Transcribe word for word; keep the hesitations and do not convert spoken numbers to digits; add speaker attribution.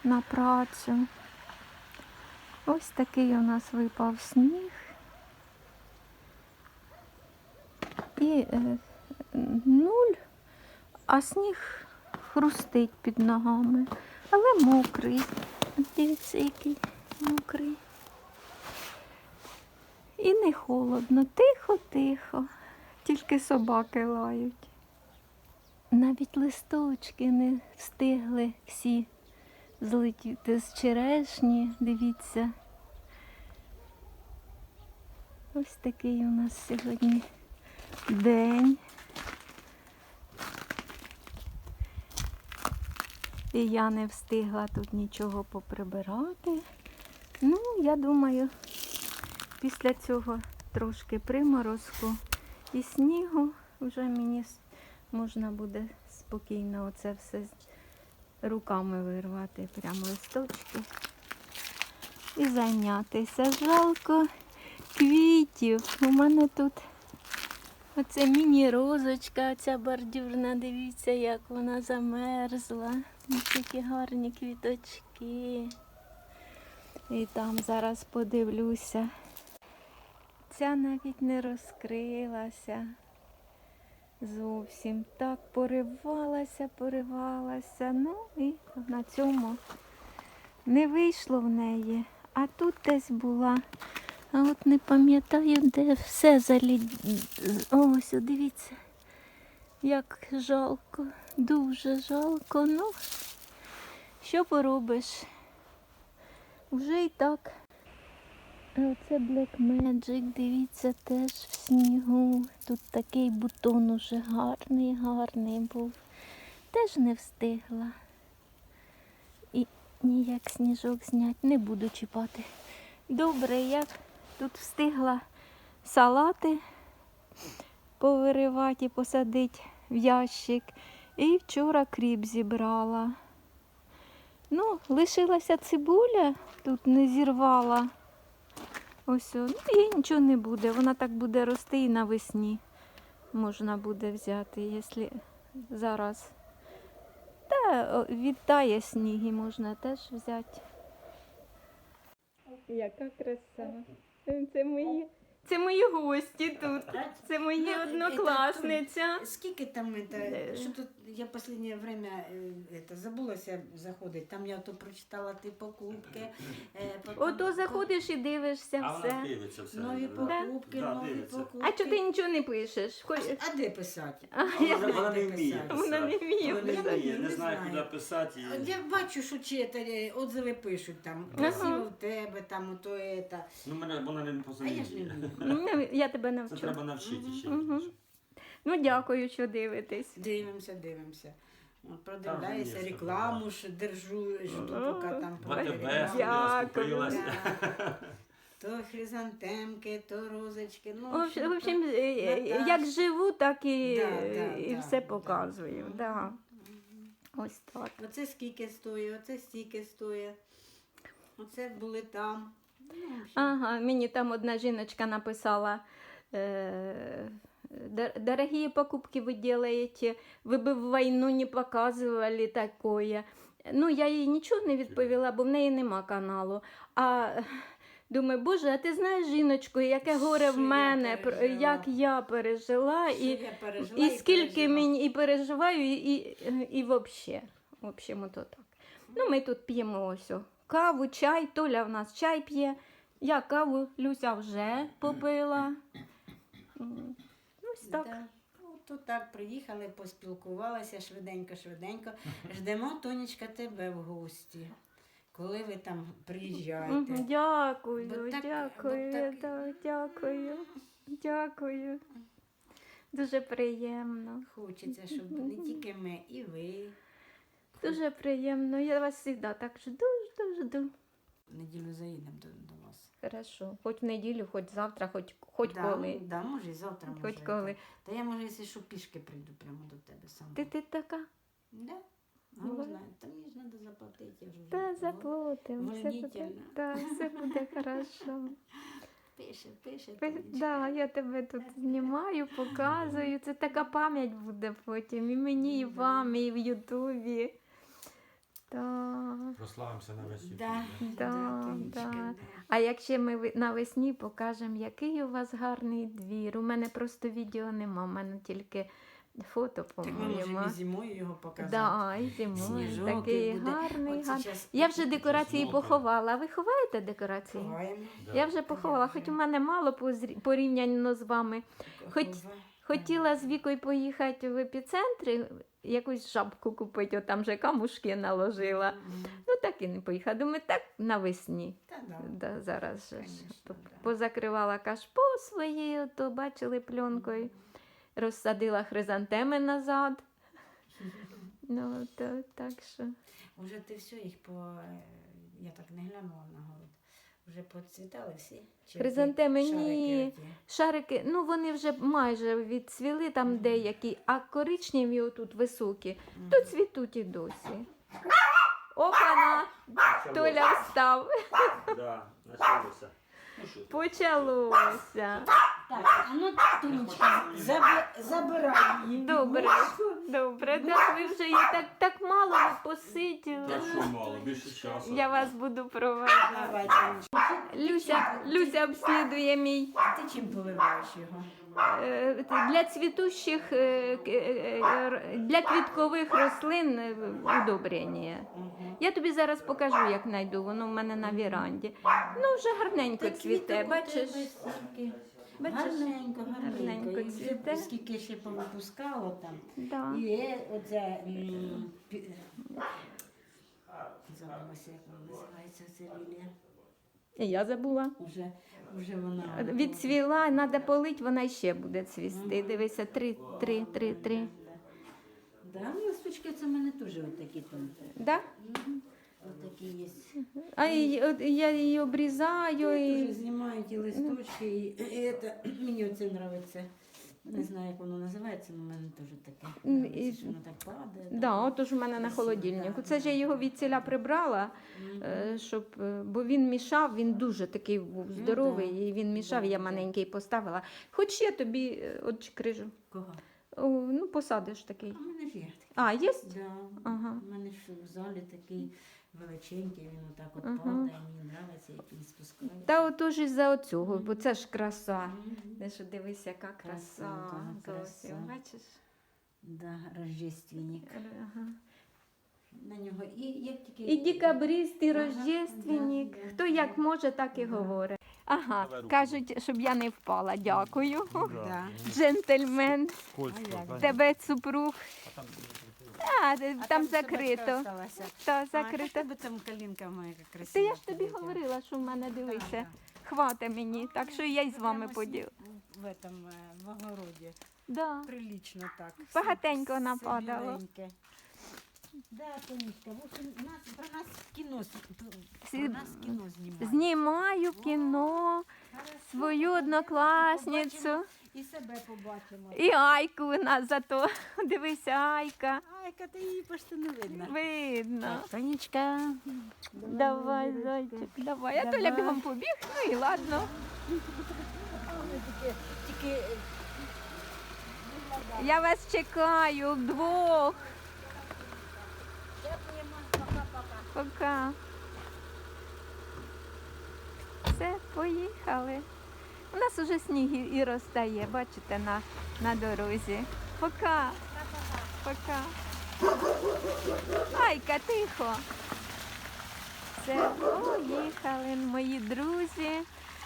Speaker 1: на працю. Ось такий у нас випав сніг. І е, нуль, а сніг хрустить під ногами, але мокрий. Дивіться, який мокрий. І не холодно, тихо-тихо, тільки собаки лають. Навіть листочки не встигли всі злетіти з черешні, дивіться. Ось такий у нас сьогодні день. І я не встигла тут нічого поприбирати. Ну, я думаю, після цього трошки приморозку і снігу вже мені можна буде спокійно оце все руками вирвати, прямо листочки і зайнятися. Жалко квітів. У мене тут оце міні-розочка, ця бордюрна, дивіться, як вона замерзла. Такі гарні квіточки. І там зараз подивлюся. Ця навіть не розкрилася зовсім. Так поривалася, поривалася. Ну і на цьому не вийшло в неї. А тут десь була. А от не пам'ятаю, де все залід. Ось, дивіться, як жалко, дуже жалко. Ну, що поробиш? Вже і так. А оце Black Magic, дивіться, теж в снігу. Тут такий бутон уже гарний, гарний був. Теж не встигла. І ніяк сніжок зняти не буду чіпати. Добре, я тут встигла салати повиривати і посадити в ящик. І вчора кріп зібрала. Ну, лишилася цибуля, тут не зірвала. Ось, ну і нічого не буде. Вона так буде рости і навесні можна буде взяти, якщо зараз. Та відтає сніг і можна теж взяти. Яка краса. Це мої, це мої гості тут. Це мої
Speaker 2: Ну,
Speaker 1: однокласниця.
Speaker 2: это, скільки там это, що тут я останнє время это, забулася заходити. Там я то прочитала ти покупки. Е, потім-
Speaker 1: Ото заходиш і дивишся
Speaker 3: А вона
Speaker 1: все.
Speaker 3: дивиться все.
Speaker 2: Нові
Speaker 3: да.
Speaker 2: покупки,
Speaker 3: Да,
Speaker 2: нові
Speaker 3: дивиться.
Speaker 2: покупки.
Speaker 1: А чого ти нічого не пишеш? Хоч-
Speaker 2: А, а де писати?
Speaker 1: А,
Speaker 2: Я
Speaker 1: я-
Speaker 2: знаю,
Speaker 3: Вона
Speaker 2: де
Speaker 3: не вміє
Speaker 2: писати.
Speaker 1: Вона не вміє
Speaker 3: Вона не
Speaker 2: писати.
Speaker 3: вміє, не
Speaker 2: Не
Speaker 3: знає,
Speaker 2: знаю.
Speaker 3: куди писати. і-
Speaker 2: От я бачу, що читає, отзиви пишуть там, красиво в тебе, там, ото, это.
Speaker 3: Ну, мене, вона не
Speaker 2: А я ж не
Speaker 3: позаміє.
Speaker 2: вмію.
Speaker 1: Ну, я тебе
Speaker 3: Це
Speaker 1: навчу.
Speaker 3: треба навчити ще.
Speaker 1: Мгм. Ну, дякую, що дивитесь.
Speaker 2: Дивимося, дивимося. От,
Speaker 3: Там
Speaker 2: продивляюся,
Speaker 3: є,
Speaker 2: рекламу ж держу, жду, поки там
Speaker 3: В АТБ
Speaker 2: перегляну.
Speaker 1: Дякую.
Speaker 3: скупилась.
Speaker 2: Да. То хризантемки, то розочки. Ну,
Speaker 1: В общем, в общем,
Speaker 2: то-
Speaker 1: е, е,
Speaker 2: Наташ.
Speaker 1: як живу, так і,
Speaker 2: Да, да,
Speaker 1: і
Speaker 2: да,
Speaker 1: все
Speaker 2: да.
Speaker 1: показую. Да. Ось так.
Speaker 2: Оце скільки стоїть, оце стільки стоїть. Оце були там. Ну, в общем,
Speaker 1: Ага, мені там одна жіночка написала, е, «Дор- дорогие покупки вы делаете, ви б в війну не показували такое. Ну, я їй нічого не відповіла, бо в неї нема каналу. А думаю, боже, а ти знаєш, жіночко, яке горе в
Speaker 2: Що я
Speaker 1: мене, про-
Speaker 2: пережила.
Speaker 1: як я пережила,
Speaker 2: що
Speaker 1: і,
Speaker 2: я пережила
Speaker 1: і скільки
Speaker 2: пережила.
Speaker 1: мені і переживаю, і, і, і взагалі. В общем, ото так. Ну, ми тут п'ємо ось о, каву, чай. Толя в нас чай п'є. Я каву, Люся вже попила. М, Ось так.
Speaker 2: Да. Ну, то так, приїхали, поспілкувалися швиденько-швиденько. Ждемо, Тонечка, тебе в гості. Коли ви там приїжджаєте.
Speaker 1: Мгм, Дякую,
Speaker 2: Бо так-
Speaker 1: дякую,
Speaker 2: бо так-
Speaker 1: да, дякую, дякую. Дуже приємно.
Speaker 2: Хочеться, щоб не тільки ми, і ви.
Speaker 1: Дуже приємно. Я вас завжди так жду, жду, жду.
Speaker 2: В неділю заїдемо до, до вас.
Speaker 1: Хорошо. Хоч в неділю, хоч завтра, хоч, хоч
Speaker 2: да,
Speaker 1: коли.
Speaker 2: Да, може і завтра, може.
Speaker 1: Хоч коли.
Speaker 2: Та я, може, якщо що, пішки прийду прямо до тебе сама.
Speaker 1: Ти, ти така?
Speaker 2: Да?
Speaker 1: Ну,
Speaker 2: Ну, знаю. Та мені ж треба заплатити. Я ж вже
Speaker 1: Та
Speaker 2: вол-
Speaker 1: заплатимо. Все буде,
Speaker 2: Волнительно.
Speaker 1: да, все буде хорошо.
Speaker 2: Пише, пише.
Speaker 1: Ви-
Speaker 2: Тонечка.
Speaker 1: Да, я тебе тут знімаю, показую. Це така пам'ять буде потім. І мені, і вам, і в Ютубі. Так.
Speaker 3: Прославимося на весь світ.
Speaker 2: Да,
Speaker 1: Да,
Speaker 2: Тонечка,
Speaker 1: да. А якщо ми ви- навесні покажемо, який у вас гарний двір. У мене просто відео нема, у мене тільки фото,
Speaker 2: Так ми
Speaker 1: по-моєму.
Speaker 2: можемо і зимою його показати.
Speaker 1: Да, і зимою
Speaker 2: Сніжок
Speaker 1: такий
Speaker 2: буде.
Speaker 1: гарний,
Speaker 2: От
Speaker 1: гарний.
Speaker 2: сейчас
Speaker 1: Я вже декорації
Speaker 3: Чеснок.
Speaker 1: поховала. Ви ховаєте декорації?
Speaker 2: ховаємо.
Speaker 3: Да.
Speaker 1: Я вже поховала, хоч у мене мало позрі- порівняно з вами. Хоч-
Speaker 2: Хова-
Speaker 1: Хотіла з Вікою поїхати в епіцентр, якусь жабку купити, от там же камушки наложила.
Speaker 2: Мгм.
Speaker 1: Ну так і не поїхала. Думаю, так навесні.
Speaker 2: Та да.
Speaker 1: Да, зараз же ж.
Speaker 2: Конечно,
Speaker 1: П-
Speaker 2: да.
Speaker 1: Позакривала кашпо свої, ото бачили пленкою. Розсадила хризантеми назад. Ну, то, так що.
Speaker 2: Уже ти все їх по. е, Я так не глянула на город. Вже поцвітали всі? Чи
Speaker 1: Хризантеми
Speaker 2: ті
Speaker 1: ні.
Speaker 2: шарики оті?
Speaker 1: Шарики, ну вони вже майже відцвіли там деякі, а коричневі отут високі, то цвітуть і досі. Опана! Толя встав.
Speaker 3: Да, началося. Ну що ти?
Speaker 1: Почалося.
Speaker 2: Так, а ну Тонечка, заби- забирай її.
Speaker 1: Добре, добре. Так ви вже її так, так мало ви посиділи.
Speaker 3: Та що мало, більше часу.
Speaker 1: Я вас буду проведжати.
Speaker 2: Давай, Тонечка.
Speaker 1: Люся, Люся обслідує мій.
Speaker 2: Ти чим поливаєш його?
Speaker 1: Е, Для цвітущих, е, к- е, р- для квіткових рослин е, удобрення.
Speaker 2: Угу.
Speaker 1: Я тобі зараз покажу, як знайду, воно в мене на віранді. Ну, вже гарненько цвіте, бачиш? Бачиш?
Speaker 2: Гарненько, гарненько.
Speaker 1: Гарненько
Speaker 2: І вже
Speaker 1: цвіте.
Speaker 2: скільки ще повипускало там.
Speaker 1: Да.
Speaker 2: І е, оце... м, пі- Забулася, як вона називається, ця лілія.
Speaker 1: І я забула.
Speaker 2: Уже, уже вона...
Speaker 1: Відцвіла, треба полити, вона ще буде цвісти. Дивися, три, три, три, три.
Speaker 2: Да, ну, листочки це в мене теж отакі там.
Speaker 1: Да?
Speaker 2: Мгм. Отакі є.
Speaker 1: А і- от я її обрізаю.
Speaker 2: Дуже
Speaker 1: І...
Speaker 2: знімають і листочки, і, і це, мені оце подобається. Не знаю, як воно називається, але в мене теж таке.
Speaker 1: М,
Speaker 2: Подобається,
Speaker 1: і-
Speaker 2: що воно так падає.
Speaker 1: Да, отож у мене на холодильнику. Це ж я його від ціля прибрала,
Speaker 2: Мгм.
Speaker 1: е, щоб, е, бо він мішав, він дуже такий був здоровий,
Speaker 2: да.
Speaker 1: і він мішав,
Speaker 2: Да,
Speaker 1: я
Speaker 2: да.
Speaker 1: маленький поставила. Хоч я тобі е, от крижу.
Speaker 2: Кого?
Speaker 1: О, ну, посадиш такий.
Speaker 2: А в мене ж є.
Speaker 1: А, є?
Speaker 2: Да.
Speaker 1: Ага.
Speaker 2: У мене ж в залі такий величенький, він отак от
Speaker 1: Ага.
Speaker 2: падає, мені подобається, як він спускається.
Speaker 1: Та отож із-за оцього, бо це ж краса.
Speaker 2: Мгм.
Speaker 1: Ти що дивись, яка краса.
Speaker 2: Красунка,
Speaker 1: Зовсім,
Speaker 2: краса.
Speaker 1: бачиш?
Speaker 2: Да, рождественник.
Speaker 1: Ага.
Speaker 2: На нього і як тільки...
Speaker 1: І декабрист, і
Speaker 2: Ага,
Speaker 1: рождественник.
Speaker 2: да, да,
Speaker 1: Хто як
Speaker 2: да.
Speaker 1: може, так і
Speaker 2: Да.
Speaker 1: говорить. Ага,
Speaker 3: Давай руку.
Speaker 1: кажуть, щоб я не впала. Дякую.
Speaker 2: Да.
Speaker 1: Джентльмен,
Speaker 2: Скользко,
Speaker 1: тебе супруг. А, там закрито. Та,
Speaker 2: Закрито.
Speaker 1: закрито.
Speaker 2: Тебе там калінка моя красива.
Speaker 1: Та я ж тобі
Speaker 2: полетіла.
Speaker 1: говорила, що в мене дивися.
Speaker 2: Да,
Speaker 1: Хвата мені, так що я й з вами
Speaker 2: Прямо
Speaker 1: поділ.
Speaker 2: В этом, е, в огороді.
Speaker 1: Да.
Speaker 2: Прилично так.
Speaker 1: Багатенько
Speaker 2: Все- все
Speaker 1: нападало.
Speaker 2: біленьке. Да, Тонечка, в общем, нас, про нас кіно, с-
Speaker 1: Всі-
Speaker 2: про нас кіно знімають.
Speaker 1: Знімаю кіно,
Speaker 2: Хорошо,
Speaker 1: свою
Speaker 2: побачимо,
Speaker 1: однокласницю.
Speaker 2: І себе побачимо.
Speaker 1: І Айку у нас зато. Дивися, Айка.
Speaker 2: Айка, ти її почти не видно.
Speaker 1: Видно.
Speaker 2: Тонечка.
Speaker 1: Давай, зайчик, давай. Я Толя
Speaker 2: Давай.
Speaker 1: бігом побіг, ну і ладно.
Speaker 2: Тільки, тільки е,
Speaker 1: Я вас чекаю вдвох.
Speaker 2: дякуємо. Пока-пока.
Speaker 1: Пока. Все, поїхали. У нас уже сніг і- і розтає, бачите, на, на дорозі. Пока. Пока. Айка, тихо. Все, поїхали, мої друзі.